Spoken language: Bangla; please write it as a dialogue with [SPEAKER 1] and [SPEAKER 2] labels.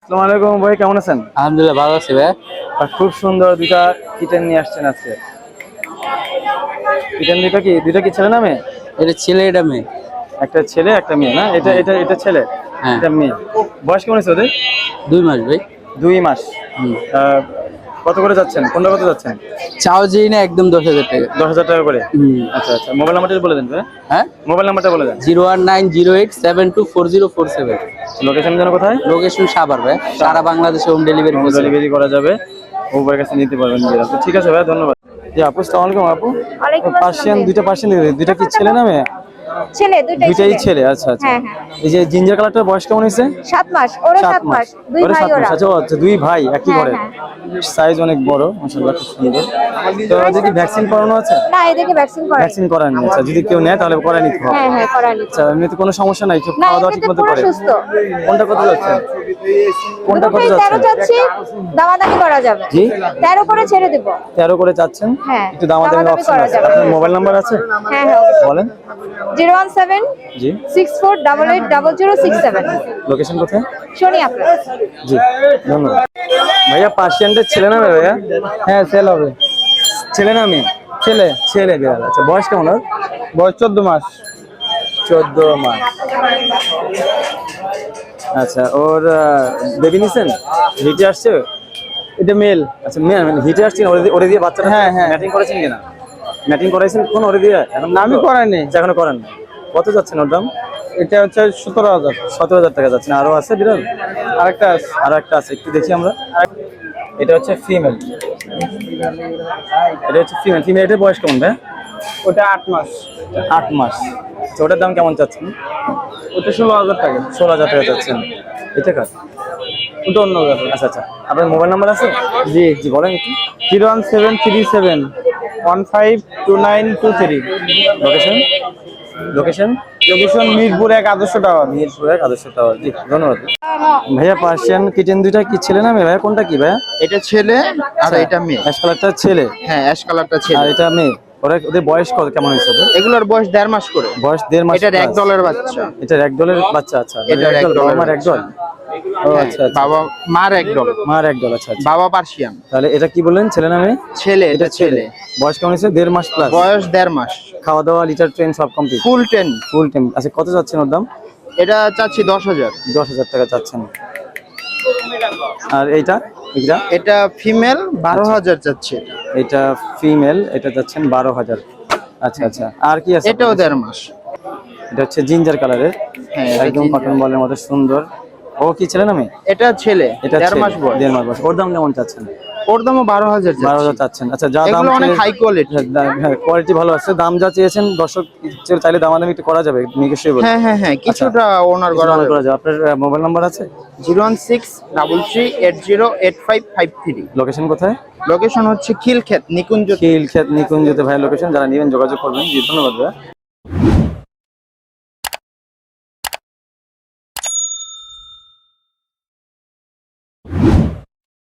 [SPEAKER 1] আসসালামু আলাইকুম ভাই, কেমন আছেন?
[SPEAKER 2] আলহামদুলিল্লাহ ভালো আছি ভাই।
[SPEAKER 1] আর খুব সুন্দর দুইটা কিটেন নিয়ে আসছেন আজকে। কিটেন দুইটা কি ছেলে না মেয়ে?
[SPEAKER 2] এটা ছেলে এটা মেয়ে।
[SPEAKER 1] একটা ছেলে একটা মেয়ে না? এটা ছেলে,
[SPEAKER 2] হ্যাঁ।
[SPEAKER 1] এটা মেয়ে। বয়স কেমন আছে ওদের?
[SPEAKER 2] 2 মাস ভাই।
[SPEAKER 1] 2 মাস।
[SPEAKER 2] হুম।
[SPEAKER 1] কত করে যাচ্ছেন? কোনটা কত যাচ্ছেন?
[SPEAKER 2] চাও যেই না একদম 10,000 টাকা।
[SPEAKER 1] 10,000 টাকা করে।
[SPEAKER 2] হুম।
[SPEAKER 1] আচ্ছা আচ্ছা, মোবাইল নাম্বারটা বলে দেন ভাই।
[SPEAKER 2] হ্যাঁ,
[SPEAKER 1] মোবাইল নাম্বারটা বলে দেন।
[SPEAKER 2] 01908724047।
[SPEAKER 1] লোকেশন যেন কোথায়?
[SPEAKER 2] লোকেশন সাভার ভাই। সারা বাংলাদেশে হোম ডেলিভারি
[SPEAKER 1] হোম ডেলিভারি করা যাবে, ওপরের কাছে নিতে পারবেন। তো ঠিক আছে ভাই, ধন্যবাদ। জি আপু, আসসালামু আলাইকুম। আপু
[SPEAKER 3] ওয়ালাইকুম
[SPEAKER 1] পার্সিয়ান,
[SPEAKER 3] আসসালাম।
[SPEAKER 1] দুইটা পার্সিয়ান দুইটা কি ছেলে না মেয়ে?
[SPEAKER 3] ছেলে,
[SPEAKER 1] দুইটাই ছেলে। আচ্ছা আচ্ছা।
[SPEAKER 3] হ্যাঁ হ্যাঁ।
[SPEAKER 1] এই যে জিঞ্জার কালারটার বয়স কেমন হয়েছে?
[SPEAKER 3] 7 মাস, ওরা 7 মাস, দুই
[SPEAKER 1] ওরা
[SPEAKER 3] ভাই
[SPEAKER 1] 7
[SPEAKER 3] ওরা।
[SPEAKER 1] মাস। আচ্ছা, দুই ভাই একই
[SPEAKER 3] হ্যাঁ,
[SPEAKER 1] ঘরে।
[SPEAKER 3] হ্যাঁ।
[SPEAKER 1] সাইজ অনেক বড়, মাশাআল্লাহ, খুব সুন্দর। তো যদি ভ্যাকসিন করানো আছে?
[SPEAKER 3] না, এদেরকে ভ্যাকসিন করাই।
[SPEAKER 1] ভ্যাকসিন করানো। আচ্ছা, যদি কেউ নেয় তাহলে করাই নিতে হবে।
[SPEAKER 3] হ্যাঁ হ্যাঁ, করাই।
[SPEAKER 1] আচ্ছা, এমনিতে কোনো সমস্যা নাই, সব
[SPEAKER 3] না,
[SPEAKER 1] খাওয়া দাওয়া
[SPEAKER 3] এমনিতে
[SPEAKER 1] ঠিকমতো
[SPEAKER 3] পুরো
[SPEAKER 1] করে?
[SPEAKER 3] সুস্থ।
[SPEAKER 1] কোনটা কত যাচ্ছে? কোনটা কত
[SPEAKER 3] দুটোই 13
[SPEAKER 1] যাচ্ছে?
[SPEAKER 3] চাচ্ছি, দামাদামি করা যাবে।
[SPEAKER 1] জি
[SPEAKER 3] 13 করে ছেড়ে দেব।
[SPEAKER 1] 13 করে চাচ্ছেন?
[SPEAKER 3] হ্যাঁ,
[SPEAKER 1] একটু দামাদামি
[SPEAKER 3] দামাদামি
[SPEAKER 1] অপশন
[SPEAKER 3] করা
[SPEAKER 1] আছে।
[SPEAKER 3] যাবে।
[SPEAKER 1] আপনার মোবাইল নাম্বার আছে?
[SPEAKER 3] হ্যাঁ হ্যাঁ,
[SPEAKER 1] বলেন।
[SPEAKER 3] 017
[SPEAKER 1] জি।
[SPEAKER 3] 64880067।
[SPEAKER 1] লোকেশন কোথায়?
[SPEAKER 3] শনি আপনার।
[SPEAKER 1] জি, ধন্যবাদ। ভাইয়া পার্সিয়ানটা ছেলে না মেয়ে ভাইয়া?
[SPEAKER 2] হ্যাঁ সেল হবে।
[SPEAKER 1] ছেলে না মেয়ে?
[SPEAKER 2] ছেলে।
[SPEAKER 1] ছেলে বিড়াল। আচ্ছা, বয়স কেমন ওর?
[SPEAKER 2] বয়স 14 মাস।
[SPEAKER 1] 14 মাস। আচ্ছা, ওর বেবি নিছেন? হিটে আসছে?
[SPEAKER 2] এটা মেল।
[SPEAKER 1] আচ্ছা, মেয়ে হিটে আসছে না? ওরে দিয়ে বাচ্চাটা?
[SPEAKER 2] হ্যাঁ, হ্যাঁ।
[SPEAKER 1] ম্যাটিং করেছেন কিনা? ম্যাটিং করাইছেন কোন ওরে দিয়ে? এখন
[SPEAKER 2] আমি করাইনি।
[SPEAKER 1] আচ্ছা, এখনো করেন না। কত যাচ্ছেন ওর দাম?
[SPEAKER 2] এটা হচ্ছে 17,000।
[SPEAKER 1] 17,000 টাকা যাচ্ছে। আরো আছে বিড়াল?
[SPEAKER 2] আরেকটা আছে।
[SPEAKER 1] আরো একটা আছে, একটু দেখি আমরা। এটা হচ্ছে ফিমেল। এটা হচ্ছে ফিমেল। এটার বয়স কেমন ভাই?
[SPEAKER 2] ওটা 8 মাস।
[SPEAKER 1] 8 মাস। আচ্ছা, ওটার দাম কেমন চাচ্ছেন?
[SPEAKER 2] ওটা 16,000 টাকা।
[SPEAKER 1] 16,000 টাকা চাচ্ছেন। এটা কার?
[SPEAKER 2] ওটা অন্য ব্যাপার।
[SPEAKER 1] আচ্ছা আচ্ছা, আপনার মোবাইল নাম্বার আছে?
[SPEAKER 2] জি।
[SPEAKER 1] জি বলেন একটু।
[SPEAKER 2] 01737152923।
[SPEAKER 1] লোকেশন? লোকেশন
[SPEAKER 2] লোকেশন মিরপুর 1 আদর্শ টাওয়ার।
[SPEAKER 1] মিরপুর 1 আদর্শ টাওয়ার। জি, ধন্যবাদ ভাইয়া। পার্সিয়ান কিটেন দুইটা কি ছেলে না মেয়ে ভাইয়া? কোনটা কি ভাইয়া?
[SPEAKER 4] এটা ছেলে আর এটা মেয়ে।
[SPEAKER 1] অ্যাশ কালারটা ছেলে
[SPEAKER 4] হ্যাঁ, অ্যাশ কালারটা
[SPEAKER 1] আর
[SPEAKER 4] ছেলে।
[SPEAKER 1] এটা মেয়ে। ওদের বয়স কেমন হয়েছে ওদের?
[SPEAKER 4] এগুলোর বয়স 1.5 মাস করে।
[SPEAKER 1] বয়স 1.5 মাস।
[SPEAKER 4] এটার এক দলের বাচ্চা।
[SPEAKER 1] এটার এক দলের বাচ্চা। আচ্ছা,
[SPEAKER 4] এটার এক দলের
[SPEAKER 1] আমার এক দল। ও
[SPEAKER 4] হ্যাঁ,
[SPEAKER 1] আচ্ছা আচ্ছা।
[SPEAKER 4] বাবা মার এক দল।
[SPEAKER 1] মার এক দল। আচ্ছা আচ্ছা।
[SPEAKER 4] বাবা পার্সিয়ান।
[SPEAKER 1] তাহলে এটা কি বললেন, ছেলে না মেয়ে?
[SPEAKER 4] ছেলে, এটা ছেলে।
[SPEAKER 1] বয়স কেমন হয়েছে? 1.5 মাস প্লাস।
[SPEAKER 4] বয়স 1.5 মাস।
[SPEAKER 1] খাওয়া দাওয়া, লিটার ট্রেন সব কমপ্লিট?
[SPEAKER 4] ফুল 10।
[SPEAKER 1] Full time. আচ্ছা, কত যাচ্ছেন ওর দাম?
[SPEAKER 4] এটা চাচ্ছি 10,000।
[SPEAKER 1] 10,000 টাকা চাচ্ছেন। আর এইটা?
[SPEAKER 4] এটা ফিমেল, 12,000 চাচ্ছে।
[SPEAKER 1] এটা ফিমেল, এটা যাচ্ছেন 12,000। আচ্ছা আচ্ছা। আর কি আছে?
[SPEAKER 4] এটাও 1.5 মাস।
[SPEAKER 1] এটা হচ্ছে জিঞ্জার কালারের।
[SPEAKER 4] হ্যাঁ, এটা
[SPEAKER 1] একদম
[SPEAKER 4] ginger।
[SPEAKER 1] কটন বলের মতো সুন্দর। ও কি ছেলে না মেয়ে?
[SPEAKER 4] এটা ছেলে,
[SPEAKER 1] এটা
[SPEAKER 4] 1.5 মাস বয়স।
[SPEAKER 1] 1.5 মাস বয়স। ওর দাম কেমন চাচ্ছেন?
[SPEAKER 4] ওর দামও 12,000
[SPEAKER 1] 12,000
[SPEAKER 4] চাচ্ছি।
[SPEAKER 1] চাচ্ছেন। আচ্ছা, যা দাম
[SPEAKER 4] এগুলো অনেক হাই কোয়ালিটি।
[SPEAKER 1] হ্যাঁ, কোয়ালিটি ভালো আছে। দাম যা চেয়েছেন, দর্শক চাইলে দামাদামি একটু করা যাবে, নিশ্চয়ই বলুন।
[SPEAKER 4] হ্যাঁ হ্যাঁ হ্যাঁ, কিছুটা ওনার
[SPEAKER 1] করা
[SPEAKER 4] করা
[SPEAKER 1] যাবে। আপনার মোবাইল নাম্বার আছে?
[SPEAKER 4] 01633808553।
[SPEAKER 1] লোকেশন কোথায়?
[SPEAKER 4] লোকেশন হচ্ছে খিলক্ষেত নিকুঞ্জ।
[SPEAKER 1] খিলক্ষেত নিকুঞ্জতে ভাই লোকেশন। যারা নেবেন যোগাযোগ করবেন। জি, ধন্যবাদ ভাই।